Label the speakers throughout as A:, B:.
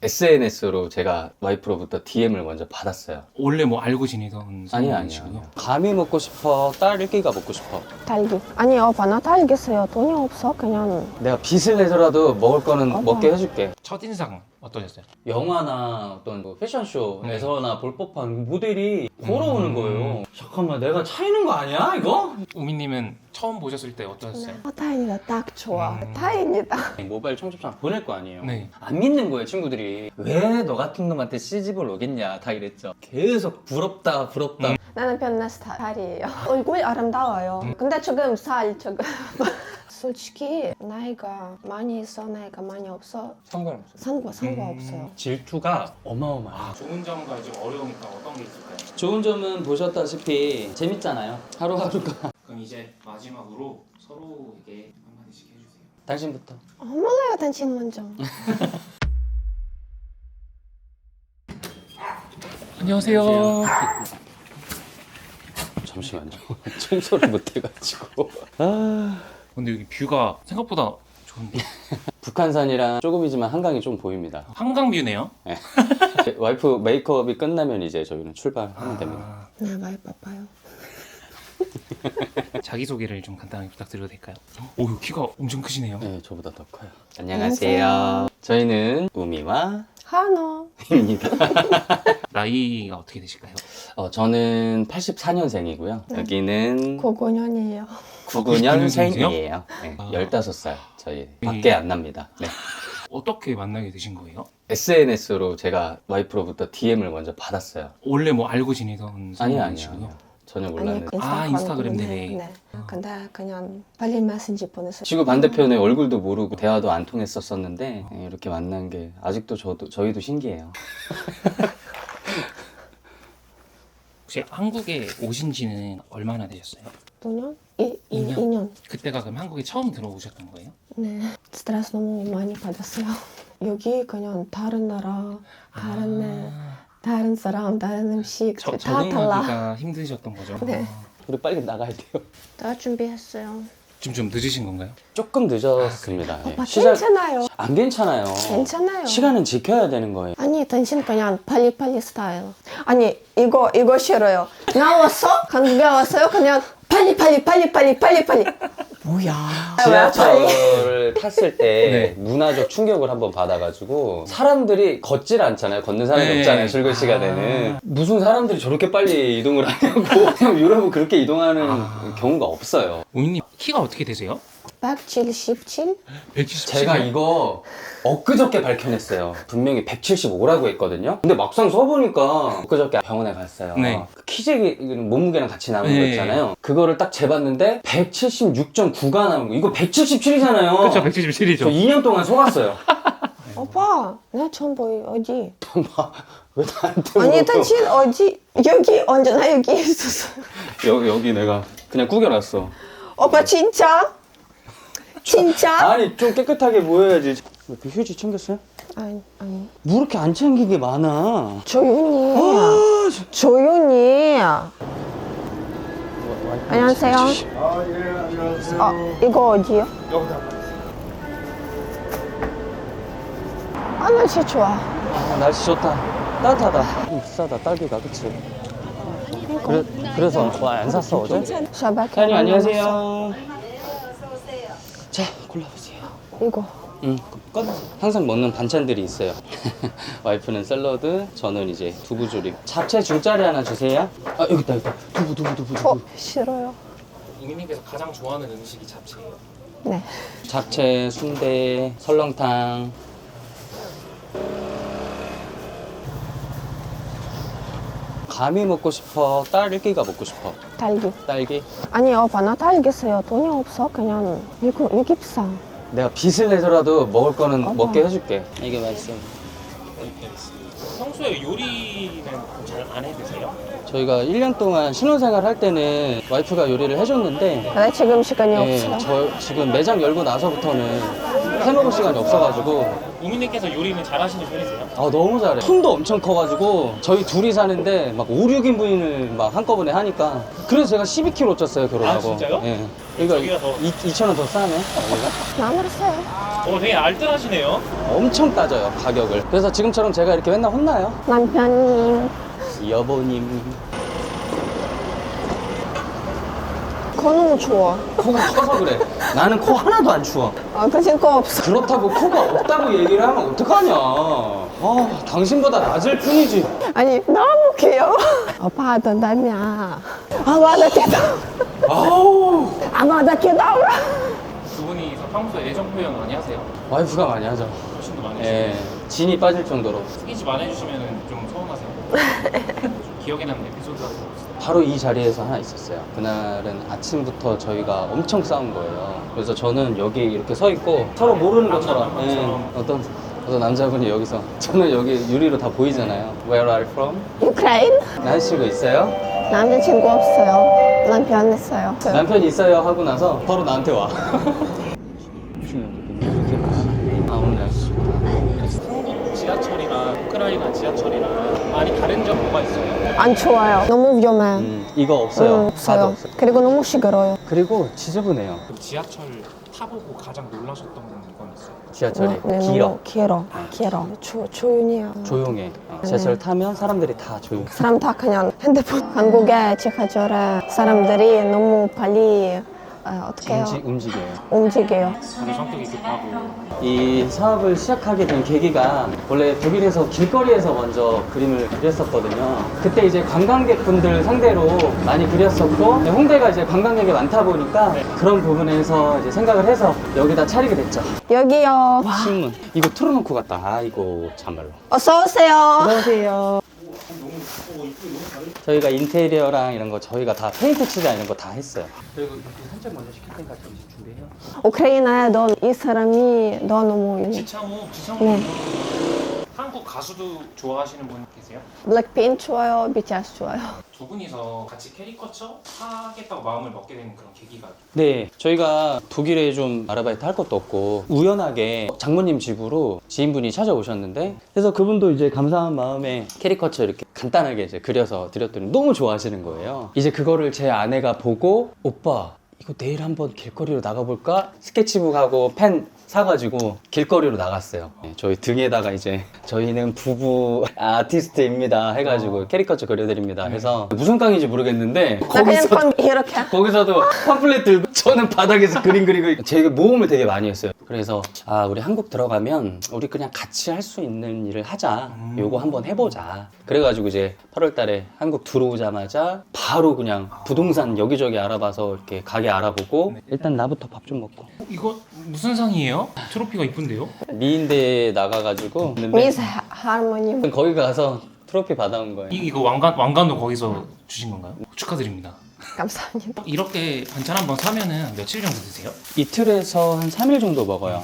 A: SNS로 제가 와이프로부터 DM을 먼저 받았어요.
B: 원래 뭐 알고 지내던
A: 아니요. 감이 먹고 싶어, 딸기가 먹고 싶어.
C: 딸기. 아니 오빠 나 딸기 써요. 돈이 없어. 그냥
A: 내가 빚을 내서라도 먹을 거는
C: 어머.
A: 먹게 해줄게.
B: 첫인상 어떠셨어요?
A: 영화나 어떤 뭐 패션쇼에서나 볼 법한 모델이 걸어오는 거예요. 잠깐만, 내가 차이는 거 아니야 이거?
B: 우미님은 처음 보셨을 때 어떠셨어요?
C: 다행이다. 딱 좋아. 다행이다.
A: 모바일 청첩장 보낼 거 아니에요.
B: 네.
A: 안 믿는 거예요, 친구들이. 왜 너 같은 놈한테 시집을 오겠냐 다 이랬죠. 계속 부럽다.
C: 나는 변나 스타일이에요. 얼굴 아름다워요. 근데 지금 지금 솔직히 나이가 많이 있어, 나이가 많이 없어.
A: 상관없어요.
C: 상관없어요.
A: 질투가 어마어마해요.
B: 좋은 점과 좀 어려우니까 어떤 게 있을까요?
A: 좋은 점은 보셨다시피 재밌잖아요. 하루하루가.
B: 그럼 이제 마지막으로 서로에게 한마디씩 해주세요.
A: 당신부터.
C: 몰라요, 당신 먼저.
B: 안녕하세요.
A: 잠시만요. 청소를 못 해가지고.
B: 근데 여기 뷰가 생각보다 좋은데?
A: 북한산이랑 조금이지만 한강이 좀 보입니다.
B: 한강뷰네요.
A: 와이프 메이크업이 끝나면 이제 저희는 출발하면 됩니다.
C: 네, 많이 바빠요.
B: 자기소개를 좀 간단하게 부탁드려도 될까요? 오, 키가 엄청 크시네요.
A: 네, 저보다 더 커요. 안녕하세요. 저희는 우미와
C: 한호.
A: 입니다.
B: 나이가 어떻게 되실까요?
A: 저는 84년생이고요.
C: 네.
A: 여기는
C: 99년이에요.
A: 99년생이에요. 네,
B: 아.
A: 15살. 저희 밖에 안 납니다. 네.
B: 어떻게 만나게 되신 거예요?
A: SNS로 제가 와이프로부터 DM을 먼저 받았어요.
B: 원래 뭐 알고 지내던
A: 아니요. 전혀 몰랐는데.
B: 인스타그램
C: 네.
B: 네네.
C: 네. 근데 그냥 빨리 메신저 보냈어요.
A: 지구 반대편에 얼굴도 모르고 대화도 안 통했었었는데 네, 이렇게 만난 게 아직도 저희도 신기해요.
B: 혹시 한국에 오신 지는 얼마나 되셨어요?
C: 2년?
B: 2년?
C: 2년.
B: 그때가 그럼 한국에 처음 들어오셨던 거예요?
C: 네. 스트레스 너무 많이 받았어요. 여기 그냥 다른 나라, 다른 사람, 다른 음식 다 달라.
B: 적응하기가 힘드셨던 거죠?
C: 네.
A: 우리 빨리 나가야 돼요.
C: 다 준비했어요.
B: 지금 좀 늦으신 건가요?
A: 조금 늦었습니다. 예.
C: 오빠 괜찮아요.
A: 안 괜찮아요.
C: 괜찮아요.
A: 시간은 지켜야 되는 거예요.
C: 아니 당신 그냥 빨리 스타일. 아니 이거 싫어요. 나왔어? 한국에 왔어요? 그냥 빨리. 뭐야?
A: 지하철을 탔을 때
B: 네.
A: 문화적 충격을 한번 받아가지고 사람들이 걷질 않잖아요. 걷는 사람이
B: 네.
A: 없잖아요. 출근 시간에는. 무슨 사람들이 저렇게 빨리 이동을 하냐고. 그냥 유럽은 그렇게 이동하는 경우가 없어요.
B: 우미님 키가 어떻게 되세요?
C: 177?
B: 177?
A: 제가 이거 엊그저께 밝혀냈어요. 분명히 175라고 했거든요. 근데 막상 써보니까 엊그저께 병원에 갔어요.
B: 네.
A: 그 키재기 몸무게랑 같이 나온 거
B: 네.
A: 있잖아요. 그거를 딱 재봤는데 176.9가 나온 거. 이거 177이잖아요.
B: 그쵸, 177이죠.
A: 저 2년 동안 속았어요.
C: 오빠 나 처음 보여. 어디?
A: 왜 나한테
C: 아니
A: 물어봐?
C: 당신 어디? 여기 언제나 여기 있었어.
A: 여기 내가 그냥 구겨놨어.
C: 오빠 진짜?
A: 아니 좀 깨끗하게 보여야지. 그 휴지 챙겼어요?
C: 아니.
A: 뭐 이렇게 안 챙긴 게 많아.
C: 조용히. 안녕하세요.
D: 예, 안녕하세요.
C: 이거 어디요?
D: 여기다.
C: 날씨 좋아.
A: 날씨 좋다. 따뜻하다. 좀 비싸다 딸기가, 그치? 그래서 안 샀어 어제?
C: 샤바케.
A: 사장님 안녕하세요. 자 골라보세요.
C: 이거.
A: 꺼내세요. 항상 먹는 반찬들이 있어요. 와이프는 샐러드, 저는 이제 두부조림. 잡채 중짜리 하나 주세요. 아 여기 있다. 두부.
C: 싫어요.
B: 우미님께서 가장 좋아하는 음식이 잡채예요.
C: 네.
A: 잡채, 순대, 설렁탕. 감이 먹고 싶어, 딸기가 먹고 싶어. 딸기?
C: 아니 오빠 나 딸기 써요. 돈이 없어. 그냥 여기 비싸.
A: 내가 빚을 내서라도 먹을 거는
C: 어머.
A: 먹게 해줄게. 이게 맛있어.
B: 평소에 요리는 잘 안 해드세요?
A: 저희가 1년 동안 신혼생활 할 때는 와이프가 요리를 해줬는데
C: 근데 지금 시간이
A: 예,
C: 없어요.
A: 저 지금 매장 열고 나서부터는 해먹을 시간이 없어가지고
B: 우민님께서 요리는 잘하시는 편이세요?
A: 아 너무 잘해. 품도 엄청 커가지고 저희 둘이 사는데 막 5, 6인분을 막 한꺼번에 하니까 그래서 제가 12kg 쪘어요 결혼하고.
B: 아, 진짜요?
A: 예.
B: 저기가 더-
A: 2,000원 더 싸네. 여기가?
C: 너무 싸요.
B: 되게 알뜰하시네요.
A: 엄청 따져요 가격을. 그래서 지금처럼 제가 이렇게 맨날 혼나요.
C: 남편님
A: 여보님.
C: 코 너무 추워.
A: 코가 커서 그래. 나는 코 하나도 안 추워.
C: 아, 그치 코 없어.
A: 그렇다고 코가 없다고 얘기를 하면 어떡하냐. 아, 당신보다 낮을 뿐이지.
C: 아니 너무 귀여워. 오빠 던담이야. 아 맞아 귀여워.
A: 아우.
C: 아 맞아 귀여워.
B: 두 분이서 평소에 애정 표현 많이 하세요?
A: 와이프가 많이 하죠.
B: 훨씬 더 많이 하시죠?
A: 예. 진이 빠질 정도로.
B: 스킨십 안 해주시면 좀 서운하세요? 좀 기억에 남는 에피소드 같은 거 없어요?
A: 바로 이 자리에서 하나 있었어요. 그날은 아침부터 저희가 엄청 싸운 거예요. 그래서 저는 여기 이렇게 서 있고 서로 모르는 것처럼 어떤 남자분이 여기서 저는 여기 유리로 다 보이잖아요. Where are you from?
C: 우크라이나?
A: 남자친구 있어요?
C: 남자친구 없어요. 남편 있어요.
A: 남편이 있어요 하고 나서 바로 나한테 와. 아 오늘 날씨
B: 한국 지하철이랑 우크라이나 지하철이랑 많이 다른 점 뭐가 있어요?
C: 안 좋아요. 너무 위험해.
A: 이거 없어요.
C: 없어요.
A: 다도 없어요.
C: 그리고 너무 시끄러워요.
A: 그리고 지저분해요.
B: 그럼 지하철 타보고 가장 놀라셨던 건 있어요?
A: 지하철이
C: 네,
A: 길어.
C: 너무 길어. 길어. 조용해요.
A: 조용해. 지하철 타면 사람들이 다 조용.
C: 사람 다 그냥 핸드폰. 한국의 지하철에 사람들이 너무 빨리 어떻게 해요?
A: 움직여요.
C: 움직여요.
B: 다들 성격이 급하고
A: 이 사업을 시작하게 된 계기가 원래 독일에서 길거리에서 먼저 그림을 그렸었거든요. 그때 이제 관광객분들 상대로 많이 그렸었고 홍대가 이제 관광객이 많다 보니까 그런 부분에서 이제 생각을 해서 여기다 차리게 됐죠.
C: 여기요.
A: 신문. 이거 틀어놓고 갔다. 아이고 참말로.
C: 어서 오세요.
A: 안녕하세요. 저희가 인테리어랑 이런 거 저희가 다 페인트 칠이랑 이런 거 다 했어요. 그리고 이렇게 살짝 먼저 시킬 테니까 좀 준비해요.
C: 우크라이나에 이 사람이 너무 유명해.
B: 지창호
C: 네.
B: 한국 가수도 좋아하시는 분 계세요?
C: 블랙핑크 좋아요. BTS 좋아요.
B: 두 분이서 같이 캐리커처 하겠다고 마음을 먹게 된 그런 계기가
A: 네, 저희가 독일에 좀 아르바이트 할 것도 없고 우연하게 장모님 집으로 지인분이 찾아오셨는데 그래서 그분도 이제 감사한 마음에 캐리커처 이렇게 간단하게 이제 그려서 드렸더니 너무 좋아하시는 거예요. 이제 그거를 제 아내가 보고 오빠 이거 내일 한번 길거리로 나가볼까? 스케치북하고 펜 사가지고 길거리로 나갔어요. 네, 저희 등에다가 이제 저희는 부부 아티스트입니다 해가지고 캐리커처 그려드립니다 해서 무슨 깡인지 모르겠는데
C: 나 그냥 건 이렇게.
A: 거기서도 팜플렛 들고 저는 바닥에서 그림 그리고 제가 모험을 되게 많이 했어요. 그래서 아 우리 한국 들어가면 우리 그냥 같이 할 수 있는 일을 하자. 요거 한번 해보자. 그래가지고 이제 8월 달에 한국 들어오자마자 바로 그냥 부동산 여기저기 알아봐서 이렇게 가게 알아보고 일단 나부터 밥 좀 먹고
B: 이거 무슨 상이에요? 트로피가 이쁜데요?
A: 미인대에 나가가지고
C: 미스 하모니.
A: 거기 가서 트로피 받아온 거예요.
B: 이거 왕관도 거기서 주신 건가요? 축하드립니다.
C: 감사합니다.
B: 이렇게 반찬 한번 사면은 며칠 정도 드세요?
A: 이틀에서 한 3일 정도 먹어요.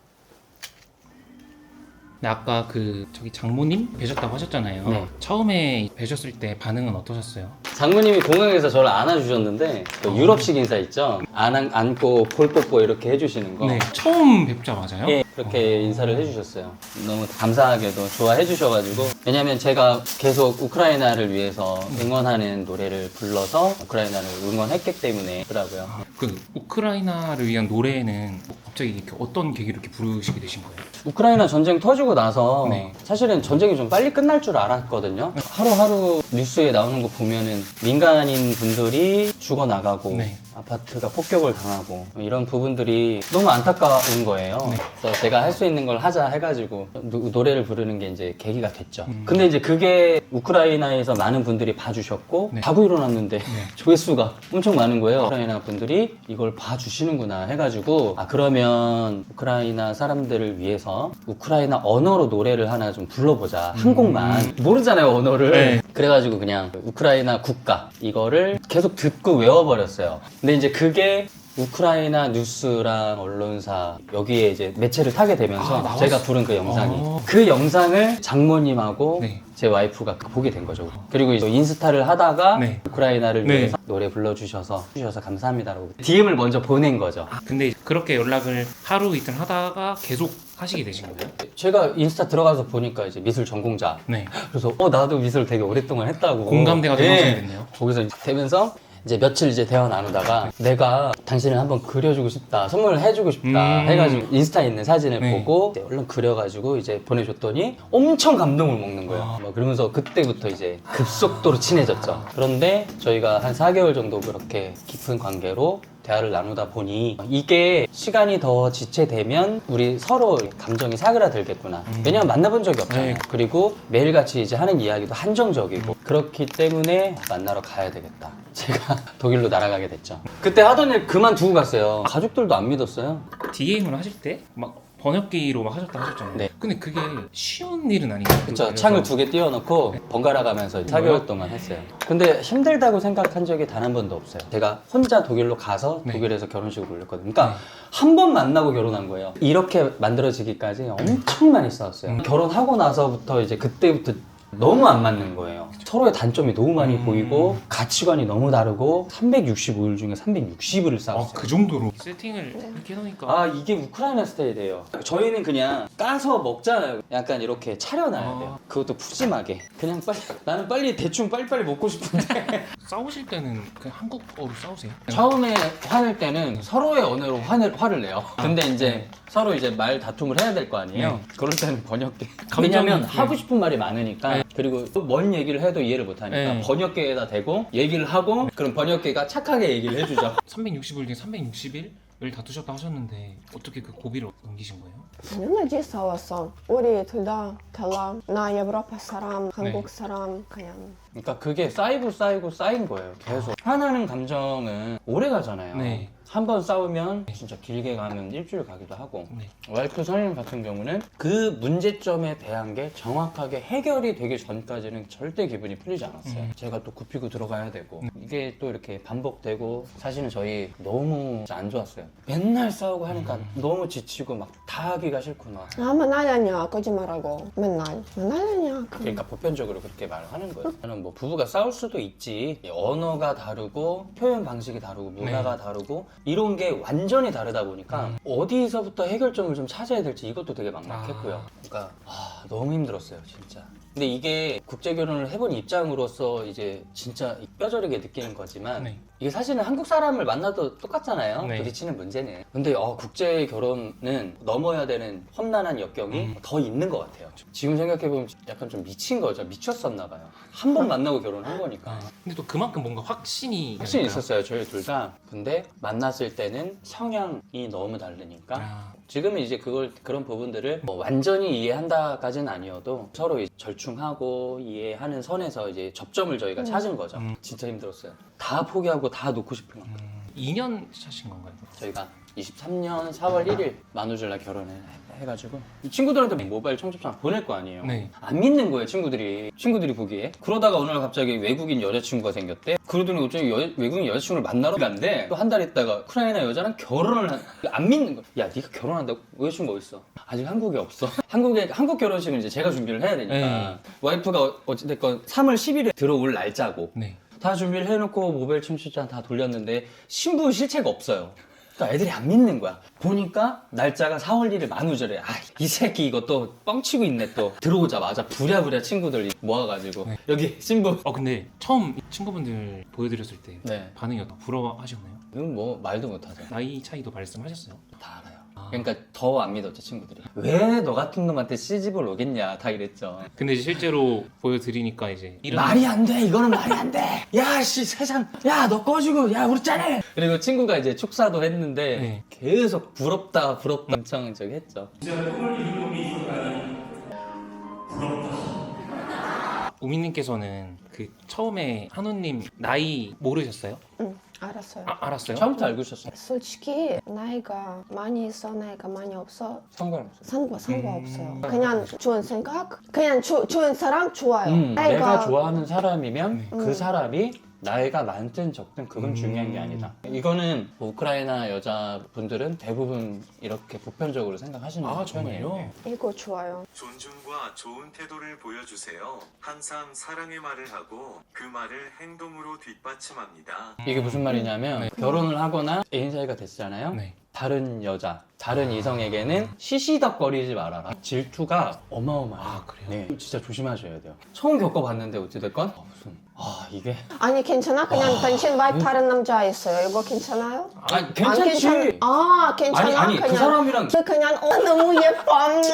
B: 네, 아까 저기 장모님 뵈셨다고 하셨잖아요.
A: 네.
B: 처음에 뵈셨을 때 반응은 어떠셨어요?
A: 장모님이 공항에서 저를 안아주셨는데 그 유럽식 인사 있죠? 안고 볼 뽀뽀 이렇게 해주시는 거.
B: 네, 처음 뵙자마자요?
A: 예, 그렇게 인사를 해주셨어요. 너무 감사하게도 좋아해 주셔가지고. 왜냐면 제가 계속 우크라이나를 위해서 응원하는 노래를 불러서 우크라이나를 응원했기 때문에 그러더라고요.
B: 그 우크라이나를 위한 노래는 갑자기 이렇게 어떤 계기로 이렇게 부르시게 되신 거예요?
A: 우크라이나 전쟁 터지고 나서
B: 네.
A: 사실은 전쟁이 좀 빨리 끝날 줄 알았거든요. 하루하루 뉴스에 나오는 거 보면은 민간인 분들이 죽어나가고
B: 네.
A: 아파트가 폭격을 당하고 이런 부분들이 너무 안타까운 거예요.
B: 네.
A: 그래서 제가 할 수 있는 걸 하자 해가지고 노래를 부르는 게 이제 계기가 됐죠. 근데 이제 그게 우크라이나에서 많은 분들이 봐주셨고
B: 네.
A: 자고 일어났는데 조회수가 엄청 많은 거예요. 우크라이나 분들이 이걸 봐주시는구나 해가지고 아 그러면 우크라이나 사람들을 위해서 우크라이나 언어로 노래를 하나 좀 불러보자. 한 곡만. 모르잖아요 언어를.
B: 네.
A: 그래가지고 그냥 우크라이나 국가 이거를 계속 듣고 외워버렸어요. 근데 이제 그게 우크라이나 뉴스랑 언론사 여기에 이제 매체를 타게 되면서
B: 나왔어?
A: 제가 부른 그 영상이
B: 어.
A: 그 영상을 장모님하고
B: 네.
A: 제 와이프가 보게 된 거죠. 그리고 이제 인스타를 하다가
B: 네.
A: 우크라이나를
B: 네.
A: 위해서 노래 불러주셔서 감사합니다라고 DM을 먼저 보낸 거죠.
B: 근데 그렇게 연락을 하루 이틀 하다가 계속 하시게 되신 거예요?
A: 제가 인스타 들어가서 보니까 이제 미술 전공자.
B: 네.
A: 그래서 나도 미술 되게 오랫동안 했다고.
B: 공감대가 좀
A: 예.
B: 형성됐네요.
A: 거기서 이제 되면서 이제 며칠 이제 대화 나누다가 내가 당신을 한번 그려주고 싶다, 선물을 해주고 싶다 해가지고 인스타에 있는 사진을
B: 네.
A: 보고 이제 얼른 그려가지고 이제 보내줬더니 엄청 감동을 먹는 거예요. 막 그러면서 그때부터 이제 급속도로 친해졌죠. 그런데 저희가 한 4개월 정도 그렇게 깊은 관계로 대화를 나누다 보니 이게 시간이 더 지체되면 우리 서로 감정이 사그라들겠구나. 왜냐면 만나본 적이 없잖아요.
B: 네.
A: 그리고 매일같이 이제 하는 이야기도 한정적이고 그렇기 때문에 만나러 가야 되겠다. 제가 독일로 날아가게 됐죠. 그때 하던 일 그만두고 갔어요. 가족들도 안 믿었어요.
B: DM을 하실 때 막 번역기로 막 하셨다 하셨잖아요.
A: 네.
B: 근데 그게 쉬운 일은 아니에요.
A: 그쵸. 창을 2개 띄워놓고 번갈아 가면서 4개월 동안 했어요. 근데 힘들다고 생각한 적이 단 한 번도 없어요. 제가 혼자 독일로 가서
B: 네.
A: 독일에서 결혼식을 올렸거든요. 그러니까 한 번 만나고 결혼한 거예요. 이렇게 만들어지기까지 엄청 많이 싸웠어요. 결혼하고 나서부터 이제 그때부터 너무 안 맞는 거예요. 서로의 단점이 너무 많이 보이고 가치관이 너무 다르고 365일 중에 360일을 싸웠어요.
B: 그 정도로 세팅을 이렇게 해놓으니까
A: 아 이게 우크라이나 스타일이에요. 저희는 그냥 까서 먹잖아요. 약간 이렇게 차려놔야 돼요. 그것도 푸짐하게. 그냥 빨리 나는 빨리 대충 빨리빨리 먹고 싶은데
B: 싸우실 때는 그냥 한국어로 싸우세요?
A: 처음에 화낼 때는 서로의 언어로 화를 내요. 근데 이제 서로 이제 말 다툼을 해야 될 거 아니에요.
B: 네.
A: 그럴 때는 번역기.
B: 감정이-
A: 왜냐면
B: 네.
A: 하고 싶은 말이 많으니까. 그리고 뭔 얘기를 해도 이해를 못 하니까
B: 네.
A: 번역기에다 대고 얘기를 하고 그럼 번역기가 착하게 얘기를 해주죠.
B: 360일 중에 360일을 다투셨다 하셨는데 어떻게 그 고비를 넘기신 거예요?
C: 당연하지 싸웠어. 우리 둘 다 달라. 나 유럽 사람, 한국
B: 네.
C: 사람 그냥.
A: 그러니까 그게 쌓이고 쌓인 거예요. 계속. 화나는 감정은 오래 가잖아요.
B: 네.
A: 한 번 싸우면 진짜 길게 가면 일주일 가기도 하고.
B: 네.
A: 와이프 선생님 같은 경우는 그 문제점에 대한 게 정확하게 해결이 되기 전까지는 절대 기분이 풀리지 않았어요. 제가 또 굽히고 들어가야 되고 이게 또 이렇게 반복되고 사실은 저희 너무 안 좋았어요. 맨날 싸우고 하니까 너무 지치고 막 다 하기가 싫구나.
C: 아 맨날 아니야 거짓말하고 맨날 아니야.
A: 그러니까 보편적으로 그렇게 말을 하는 거예요. 저는 뭐 부부가 싸울 수도 있지. 언어가 다르고 표현 방식이 다르고 문화가 다르고 이런 게 완전히 다르다 보니까 어디서부터 해결점을 좀 찾아야 될지 이것도 되게 막막했고요. 그러니까 너무 힘들었어요, 진짜. 근데 이게 국제 결혼을 해본 입장으로서 이제 진짜 뼈저리게 느끼는 거지만
B: 네.
A: 이게 사실은 한국 사람을 만나도 똑같잖아요.
B: 네.
A: 부딪히는 문제는. 근데 국제 결혼은 넘어야 되는 험난한 역경이 더 있는 것 같아요. 지금 생각해보면 약간 좀 미친 거죠. 미쳤었나 봐요. 한 번 만나고 결혼한 거니까.
B: 근데 또 그만큼 뭔가 확신이
A: 확신이
B: 있을까요?
A: 있었어요, 저희 둘 다. 근데 만났을 때는 성향이 너무 다르니까
B: 아,
A: 지금은 이제 그런 부분들을 뭐 완전히 이해한다까지는 아니어도 서로 이제 절충하고 이해하는 선에서 이제 접점을 저희가 찾은 거죠. 진짜 힘들었어요. 다 포기하고 다 놓고 싶은 만큼.
B: 2년 차신 건가요?
A: 저희가 23년 4월 1일 만우절날 결혼을 해가지고 이 친구들한테 모바일 청첩장 보낼 거 아니에요.
B: 네.
A: 안 믿는 거예요, 친구들이 보기에. 그러다가 어느 날 갑자기 외국인 여자친구가 생겼대. 그러더니 갑자기 외국인 여자친구를 만나러 간대. 또 한 달 있다가 우크라이나 여자랑 결혼을 안 믿는 거야. 야, 네가 결혼한다고? 여자친구 어딨어? 아직 한국에 없어. 한국 결혼식은 이제 제가 준비를 해야 되니까.
B: 네.
A: 와이프가 어찌됐건 3월 10일에 들어올 날짜고
B: 네.
A: 다 준비를 해놓고 모바일 청첩장 다 돌렸는데 신부 실체가 없어요. 그러니까 애들이 안 믿는 거야. 보니까 날짜가 4월 1일 만우절에 이 새끼 이것도 뻥치고 있네 또. 들어오자마자 부랴부랴 친구들 모아가지고 여기 신부.
B: 근데 처음 친구분들 보여드렸을 때
A: 네.
B: 반응이 어떠? 부러워하셨나요?
A: 이건 뭐 말도 못하죠.
B: 나이 차이도 말씀하셨어요?
A: 다 알아요. 그러니까 더 안 믿었죠, 친구들이. 왜 너 같은 놈한테 시집을 오겠냐 다 이랬죠.
B: 근데 이제 실제로 보여드리니까 이제 이런
A: 말이 안 돼. 이거는 말이 안 돼. 야, 씨, 세상. 야, 너 꺼지고. 야, 우리 짠해. 그리고 친구가 이제 축사도 했는데
B: 네.
A: 계속 부럽다 엄청 저기 했죠.
B: 우민님께서는 그 처음에 한우님 나이 모르셨어요?
C: 응 알았어요.
B: 알았어요?
A: 처음부터 알고 있었어요.
C: 솔직히 나이가 많이 있어 나이가 많이 없어
A: 상관없어요.
C: 상관없어요. 그냥 좋은 생각, 그냥 좋은 사람 좋아요.
A: 내가 좋아하는 사람이면 그 사람이 나이가 많든 적든 그건 중요한 게 아니다. 이거는 뭐 우크라이나 여자분들은 대부분 이렇게 보편적으로 생각하시는 편이에요.
B: 정말요?
C: 이거 좋아요.
E: 존중과 좋은 태도를 보여주세요. 항상 사랑의 말을 하고 그 말을 행동으로 뒷받침합니다.
A: 이게 무슨 말이냐면 결혼을 하거나 애인 사이가 됐잖아요.
B: 네.
A: 다른 여자, 다른 이성에게는 시시덕거리지 말아라. 질투가 어마어마해요.
B: 아, 그래요?
A: 네, 진짜 조심하셔야 돼요. 처음 겪어봤는데 어찌됐건 이게
C: 아니 괜찮아? 그냥 당신 와이프 다른 남자 있어요. 이거 괜찮아요?
A: 아니 괜찮지.
C: 괜찮아?
A: 아니 그 사람이랑
C: 그냥 너무 예뻐.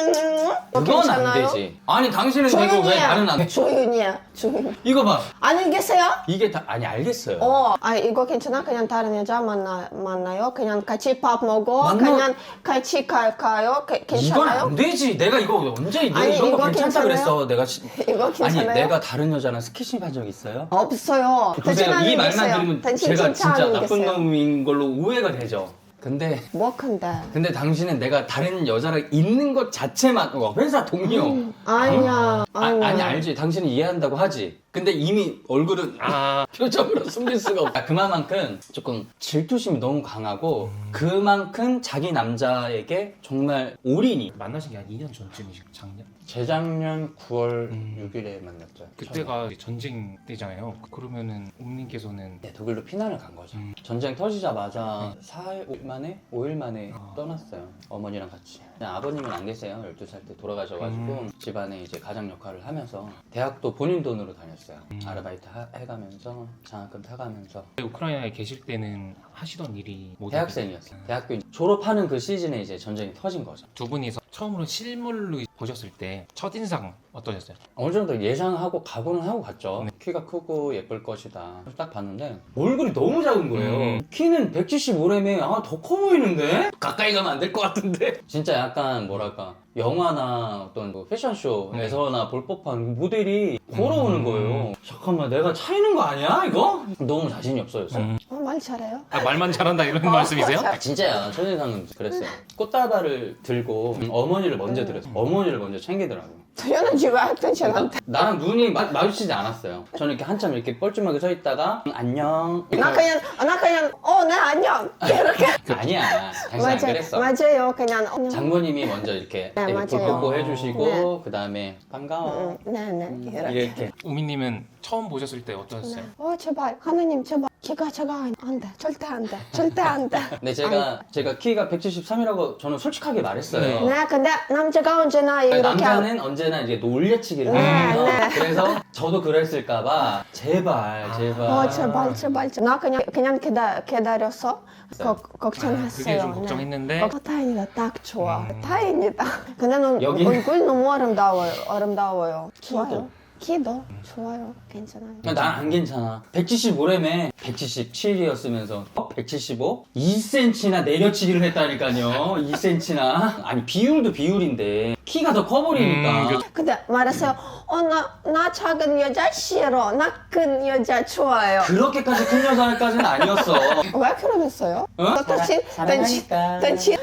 A: 그건 안 되지. 아니 당신은 되고 왜 나는 안 돼?
C: 조윤이야.
A: 이거 봐.
C: 안녕히 계세요?
A: 이게 다 아니 알겠어요.
C: 이거 괜찮아? 그냥 다른 여자 만나요? 그냥 같이 밥 먹어?
A: 만나-
C: 그냥 같이 가요?
A: 이건
C: 괜찮아요?
A: 안 되지. 내가 이거 언제 내가
C: 아니,
A: 이런 거
C: 이거
A: 괜찮다
C: 괜찮아요?
A: 그랬어. 내가
C: 이거 괜찮아요?
A: 아니 내가 다른 여자랑 스킨십 한 적 있어요?
C: 없어요.
A: 보세요.
C: 당신
A: 이
C: 안녕히
A: 말만
C: 계세요.
A: 들으면
C: 당신
A: 제가 진짜
C: 안녕히
A: 나쁜
C: 계세요.
A: 놈인 걸로 오해가 되죠. 근데
C: 근데
A: 당신은 내가 다른 여자랑 있는 것 자체만 회사 동료
C: 아니야.
A: 아니 알지. 당신은 이해한다고 하지. 근데 이미 얼굴은 표정으로 숨길 수가 없다. 그만큼 조금 질투심이 너무 강하고 그만큼 자기 남자에게 정말 올인이.
B: 만나신 게 한 2년 전쯤이시고 작년?
A: 재작년 9월 6일에 만났죠.
B: 그때가 이제 전쟁 때잖아요. 그러면은 옴님께서는
A: 네, 독일로 피난을 간 거죠. 전쟁 터지자마자 4일 만에 5일 만에 떠났어요. 어머니랑 같이. 그냥 아버님은 안 계세요. 12살 때 돌아가셔가지고 집안에 이제 가장 역할을 하면서 대학도 본인 돈으로 다녔어요. 아르바이트 해가면서 장학금 타가면서.
B: 우크라이나에 계실 때는 하시던 일이 뭐
A: 대학생이었어요. 대학교 졸업하는 그 시즌에 이제 전쟁이 터진 거죠.
B: 두 분이서 처음으로 실물로 보셨을 때 첫인상 어떠셨어요?
A: 어느 정도 예상하고 각오는 하고 갔죠. 키가 크고 예쁠 것이다. 딱 봤는데 얼굴이 너무 작은 거예요. 키는 175램에 더 커 보이는데? 가까이 가면 안 될 것 같은데? 진짜 약간 뭐랄까 영화나 어떤 뭐 패션쇼에서나 볼 법한 모델이 걸어오는 거예요. 잠깐만 내가 차이는 거 아니야 이거? 너무 자신이 없어졌어요.
C: 말 잘해요?
B: 말만 잘한다 이런 말씀이세요?
A: 진짜야. 첫인상은 그랬어요. 꽃다발을 들고 어머니를 먼저 드렸어요. 어머니를 먼저 챙기더라고요.
C: 당연하지 왜 당신한테?
A: 나랑 눈이 마주치지 않았어요. 저는 이렇게 한참 이렇게 뻘쭘하게 서 있다가 안녕.
C: 나 그냥 네 안녕 이렇게.
A: 아니야. 당신 안 그랬어.
C: 맞아요. 그냥
A: 장모님이 먼저 이렇게
C: 네,
A: 볼
C: 맞아요.
A: 뽀뽀 해주시고
C: 네.
A: 그 다음에 반가워.
C: 네네 이렇게.
A: 이렇게.
B: 우미님은 처음 보셨을 때 어떠셨어요?
C: 제발 하나님 제발 키가 작아 안돼 절대 안돼 절대 안돼.
A: 근데 제가 키가 173이라고 저는 솔직하게 말했어요.
C: 네 근데 남자가 언제나 이렇게
A: 남자는 언제나 이제 놀려치기를 하거든요.
C: 네.
A: 그래서 저도 그랬을까봐 제발.
C: 제발 나 그냥 기다렸어. 걱정했어요.
B: 그게 좀 걱정했는데
C: 타인이가 딱 좋아. 타인이다. 근데
A: 여기?
C: 얼굴 너무 아름다워요. 좋아요. 키도 좋아요. 괜찮아요.
A: 난 안 괜찮아. 175램에 177이었으면서 175? 2cm나 내려치기를 했다니까요. 2cm나. 아니 비율도 비율인데 키가 더 커버리니까.
C: 근데 말했어요. 나 작은 여자 싫어. 나 큰 여자 좋아요.
A: 그렇게까지 큰 여자까지는 아니었어.
C: 왜 그러겠어요?
A: 사랑하니까.
C: 당신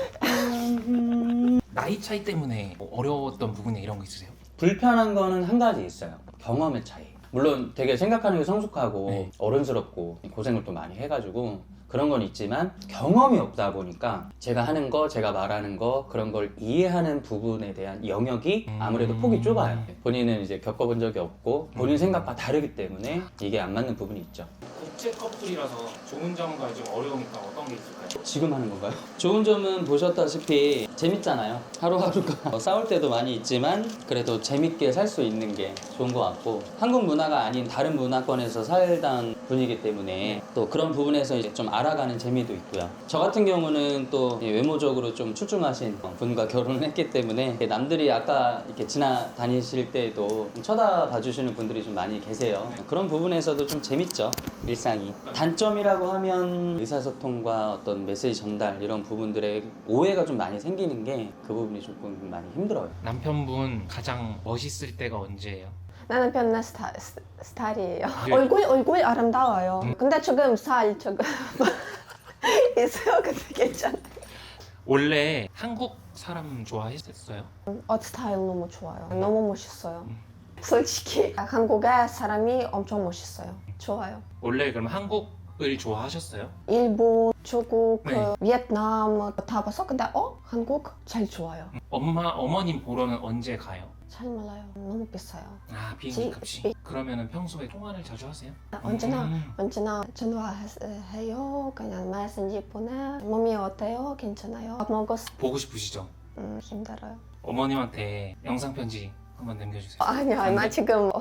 B: 나이 차이 때문에 뭐 어려웠던 부분에 이런 거 있으세요?
A: 불편한 거는 한 가지 있어요. 경험의 차이. 물론 되게 생각하는 게 성숙하고 어른스럽고 고생을 또 많이 해가지고 그런 건 있지만 경험이 없다 보니까 제가 하는 거, 제가 말하는 거 그런 걸 이해하는 부분에 대한 영역이 아무래도 폭이 좁아요. 본인은 이제 겪어본 적이 없고 본인 생각과 다르기 때문에 이게 안 맞는 부분이 있죠.
B: 국제 커플이라서 좋은 점과 좀 어려우니까 어떤 게 있을까요?
A: 지금 하는 건가요? 좋은 점은 보셨다시피 재밌잖아요. 하루하루가 싸울 때도 많이 있지만 그래도 재밌게 살 수 있는 게 좋은 것 같고 한국 문화가 아닌 다른 문화권에서 살던 분이기 때문에 또 그런 부분에서 이제 좀 알아가는 재미도 있고요. 저 같은 경우는 또 외모적으로 좀 출중하신 분과 결혼을 했기 때문에 남들이 아까 이렇게 지나다니실 때도 쳐다봐 주시는 분들이 좀 많이 계세요. 그런 부분에서도 좀 재밌죠. 일상이. 단점이라고 하면 의사소통과 어떤 메시지 전달 이런 부분들에 오해가 좀 많이 생기는 게 그 부분이 조금 많이 힘들어요.
B: 남편분 가장 멋있을 때가 언제예요?
C: 나는 편한 스타일이에요. 얼굴 아름다워요. 근데 지금 살 조금 있어요. 근데 괜찮아.
B: 원래 한국 사람 좋아했었어요?
C: 옷 스타일 너무 좋아요. 너무 멋있어요. 솔직히 한국의 사람이 엄청 멋있어요. 좋아요.
B: 원래 그럼 한국을 좋아하셨어요?
C: 일본, 중국,
B: 네.
C: 베트남 다 봤어. 근데 한국 잘 좋아요.
B: 어머님 보러는 언제 가요?
C: 잘 몰라요. 너무 비싸요.
B: 아 비행기 값이. 그러면은 평소에 통화를 자주 하세요?
C: 언제나 전화해요. 그냥 메신저 보내. 몸이 어때요? 괜찮아요? 밥 먹었어?
B: 보고 싶으시죠?
C: 힘들어요.
B: 어머님한테 영상 편지 한번 남겨주세요.
C: 아니야,
B: 안
C: 나
B: 돼?
C: 지금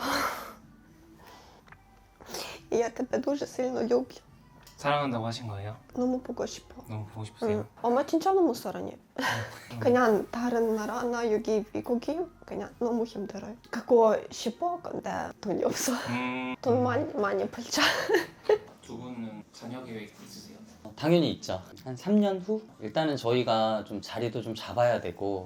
C: Я тебе дуже сильно люблю.
B: 사랑한다고 하신 거예요?
C: 너무 보고 싶어.
B: 너무 보고 싶으세요?
C: 엄마 진짜 너무 사랑해. 그냥 다른 나라나 여기 미국이 그냥 너무 힘들어요. 가고 싶어, 근데 돈이 없어. 돈 많이 벌자.
B: 두 분은 자녀 계획 있으세요?
A: 당연히 있죠. 한 3년 후? 일단은 저희가 좀 자리도 좀 잡아야 되고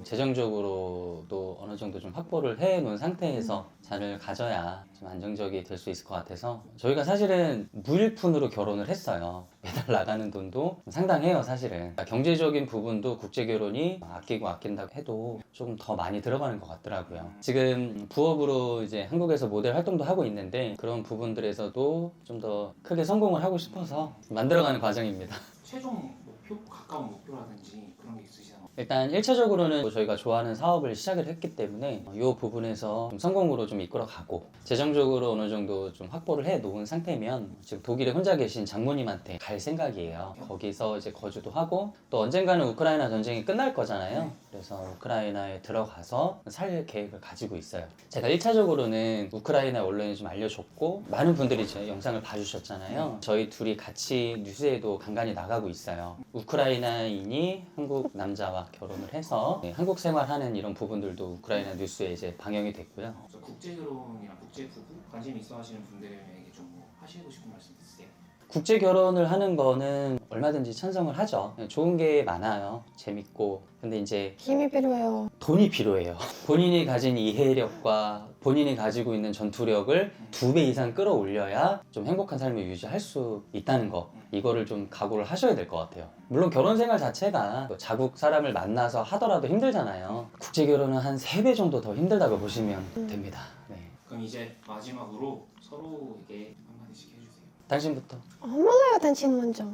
A: 재정적으로도 어느 정도 좀 확보를 해 놓은 상태에서 자녀를 가져야 좀 안정적이 될 수 있을 것 같아서 저희가 사실은 무일푼으로 결혼을 했어요. 매달 나가는 돈도 상당해요, 사실은. 그러니까 경제적인 부분도 국제결혼이 아끼고 아낀다고 해도 조금 더 많이 들어가는 것 같더라고요. 지금 부업으로 이제 한국에서 모델 활동도 하고 있는데 그런 부분들에서도 좀 더 크게 성공을 하고 싶어서 만들어가는 과정입니다.
B: 최종 목표, 가까운 목표라든지 그런 게 있으시나요?
A: 일단 1차적으로는 저희가 좋아하는 사업을 시작을 했기 때문에 이 부분에서 좀 성공으로 좀 이끌어가고 재정적으로 어느 정도 좀 확보를 해 놓은 상태면 지금 독일에 혼자 계신 장모님한테 갈 생각이에요. 거기서 이제 거주도 하고 또 언젠가는 우크라이나 전쟁이 끝날 거잖아요. 그래서 우크라이나에 들어가서 살 계획을 가지고 있어요. 제가 1차적으로는 우크라이나 언론에 좀 알려줬고 많은 분들이 제 영상을 봐주셨잖아요. 저희 둘이 같이 뉴스에도 간간히 나가고 있어요. 우크라이나인이 한국 남자와 결혼을 해서 한국 생활하는 이런 부분들도 우크라이나 뉴스에 이제 방영이 됐고요.
B: 그래서 국제결혼이나 국제부부 관심 있어 하시는 분들에게 좀 뭐 하시고 싶은 말씀 있으세요?
A: 국제 결혼을 하는 거는 얼마든지 찬성을 하죠. 좋은 게 많아요. 재밌고. 근데 이제
C: 힘이 필요해요.
A: 돈이 필요해요. 본인이 가진 이해력과 본인이 가지고 있는 전투력을 2배 이상 끌어올려야 좀 행복한 삶을 유지할 수 있다는 거. 이거를 좀 각오를 하셔야 될 것 같아요. 물론 결혼 생활 자체가 자국 사람을 만나서 하더라도 힘들잖아요. 국제 결혼은 한 3배 정도 더 힘들다고 보시면 됩니다. 네.
B: 그럼 이제 마지막으로 서로에게 한마디씩 해주세요.
A: 당신부터.
C: 몰라요, 당신 먼저.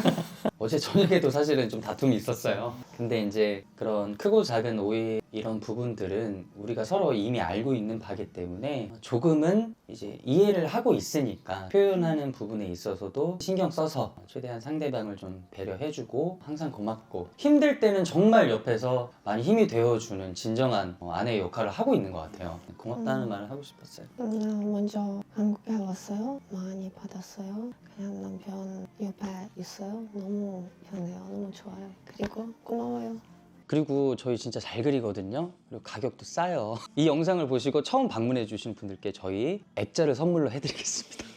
A: 어제 저녁에도 사실은 좀 다툼이 있었어요. 근데 이제 그런 크고 작은 오해 이런 부분들은 우리가 서로 이미 알고 있는 바기 때문에 조금은 이제 이해를 하고 있으니까 표현하는 부분에 있어서도 신경 써서 최대한 상대방을 좀 배려해주고 항상 고맙고 힘들 때는 정말 옆에서 많이 힘이 되어주는 진정한 아내의 역할을 하고 있는 것 같아요. 고맙다는 말을 하고 싶었어요.
C: 먼저 한국에 왔어요. 많이 받았어요. 그냥 남편 옆에 있어요. 너무 편해요. 너무 좋아요. 그리고 고마워요.
A: 그리고 저희 진짜 잘 그리거든요. 그리고 가격도 싸요. 이 영상을 보시고 처음 방문해 주신 분들께 저희 액자를 선물로 해드리겠습니다.